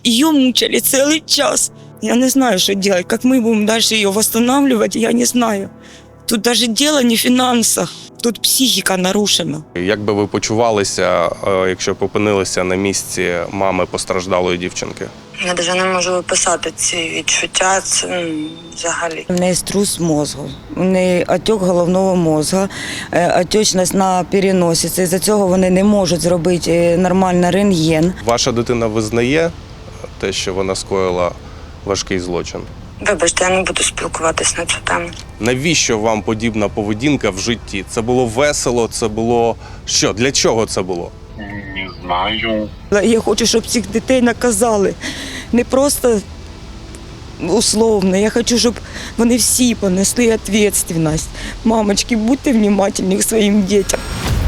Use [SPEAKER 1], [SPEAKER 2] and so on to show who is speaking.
[SPEAKER 1] Ее мучили целый час. Я не знаю, что делать. Как мы будем дальше ее восстанавливать, я не знаю. Тут даже дело не в финансах, тут психіка нарушена.
[SPEAKER 2] Як би ви почувалися, якщо б опинилися на місці мами постраждалої дівчинки?
[SPEAKER 3] Я навіть не можу описати ці відчуття, це взагалі.
[SPEAKER 1] У неї струс мозку, у неї отек головного мозку, отечність на переносиці. Із-за цього вони не можуть зробити нормально рентген.
[SPEAKER 2] Ваша дитина визнає те, що вона скоїла важкий злочин?
[SPEAKER 3] Вибачте, я не буду спілкуватись на цю тему.
[SPEAKER 2] Навіщо вам подібна поведінка в житті? Це було весело, це було що? Для чого це було?
[SPEAKER 4] Не знаю.
[SPEAKER 1] Я хочу, щоб цих дітей наказали. Не просто условно. Я хочу, щоб вони всі понесли відповідальність. Мамочки, будьте внимательні к своїм дітям.